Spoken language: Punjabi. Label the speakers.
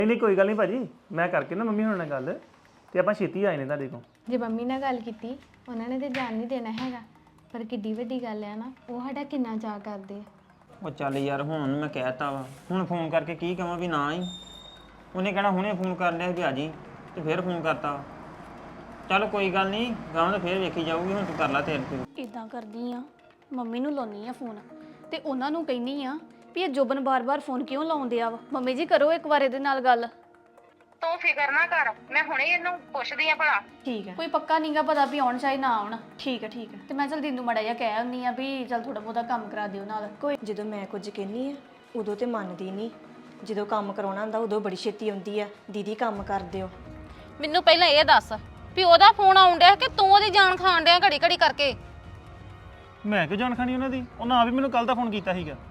Speaker 1: ਨਹੀਂ ਕੋਈ ਗੱਲ ਨਹੀਂ ਭਾਜੀ ਮੈਂ ਕਰਕੇ ਨਾ ਮੰਮੀ ਹੁਣ ਨਾਲ ਗੱਲ ਤੇ ਆਪਾਂ ਛੇਤੀ ਆਏ ਨੇ ਤੁਹਾਡੇ ਕੋਲ
Speaker 2: ਜੇ ਮੰਮੀ ਨਾਲ ਗੱਲ ਕੀਤੀ ਉਹਨਾਂ ਨੇ ਤੇ ਜਾਣ ਨਹੀਂ ਦੇਣਾ ਹੈਗਾ ਪਰ ਕਿੱਡੀ ਵੱਡੀ ਗੱਲ ਆ ਨਾ ਉਹ ਸਾਡਾ ਕਿੰਨਾ ਚਾਅ ਕਰਦੇ ਆ
Speaker 3: ਉਹ ਚੱਲ ਯਾਰ ਹੁਣ ਉਹਨੂੰ ਮੈਂ ਕਹਿਤਾ ਵਾ ਹੁਣ ਫੋਨ ਕਰਕੇ ਕੀ ਕਹਾਂ ਵੀ ਨਾ ਹੀ ਉਹਨੇ ਕਹਿਣਾ ਹੁਣੇ ਫੋਨ ਕਰ ਲਿਆ ਵੀ ਆ ਜੀ ਤੇ ਫਿਰ ਫੋਨ ਕਰਤਾ ਚੱਲ ਕੋਈ ਗੱਲ ਨਹੀਂ ਗਾਂ ਤਾਂ ਫਿਰ ਵੇਖੀ ਜਾਊਗੀ ਹੁਣ ਤੂੰ ਕਰ ਲੈ ਤੇਰੇ ਤੇ
Speaker 4: ਇਦਾਂ ਕਰਦੀ ਆ ਮੰਮੀ ਨੂੰ ਲਾਉਣੀ ਆ ਫੋਨ ਤੇ ਉਹਨਾਂ ਨੂੰ ਕਹਿੰਨੀ ਆ ਵੀ ਇਹ ਜੋਬਨ ਬਾਰ-ਬਾਰ ਫੋਨ ਕਿਉਂ ਲਾਉਂਦੇ ਆ ਵਾ ਮੰਮੀ ਜੀ ਕਰੋ ਇੱਕ ਵਾਰ ਇਹਦੇ ਨਾਲ ਗੱਲ
Speaker 5: ਤੂੰ ਫਿਕਰ ਨਾ ਕਰ ਮੈਂ ਹੁਣੇ ਇਹਨੂੰ ਪੁੱਛਦੀ ਆ ਭਲਾ
Speaker 4: ਠੀਕ ਹੈ ਕੋਈ ਪੱਕਾ ਨਹੀਂਗਾ ਪਤਾ ਵੀ ਆਉਣ ਚਾਹੇ ਨਾ ਆਉਣ ਠੀਕ ਹੈ ਤੇ ਮੈਂ ਚਲ ਦਿੰਦੂ ਮੜਾ ਜਿਹਾ ਕਹਿ ਆਉਂਦੀ ਆ ਵੀ ਚਲ ਥੋੜਾ ਬਹੁਤਾ ਕੰਮ ਕਰਾ ਦਿਓ ਨਾਲ
Speaker 6: ਕੋਈ ਜਦੋਂ ਮੈਂ ਕੁਝ ਕਹਿੰਨੀ ਆ ਉਦੋਂ ਤੇ ਮੰਨਦੀ ਨਹੀਂ ਜਦੋਂ ਕੰਮ ਕਰਾਉਣਾ ਹੁੰਦਾ ਉਦੋਂ ਬੜੀ ਛੇਤੀ ਆਉਂਦੀ ਆ ਦੀਦੀ ਕੰਮ ਕਰ ਦਿਓ
Speaker 7: ਮੈਨੂੰ ਪਹਿਲਾਂ ਇਹ ਦੱਸ ਵੀ ਉਹਦਾ ਫੋਨ ਆਉਣ ਡਿਆ ਕਿ ਤੂੰ ਉਹਦੀ ਜਾਨ ਖਾਣ ਡਿਆ ਘੜੀ ਘੜੀ ਕਰਕੇ
Speaker 1: ਮੈਂ ਕਿਉਂ ਜਾਣ ਖਾਣੀ ਉਹਨਾਂ ਦੀ ਉਹਨਾਂ ਆ ਵੀ ਮੈਨੂੰ ਕੱਲ ਦਾ ਫੋਨ ਕੀਤਾ ਸੀਗਾ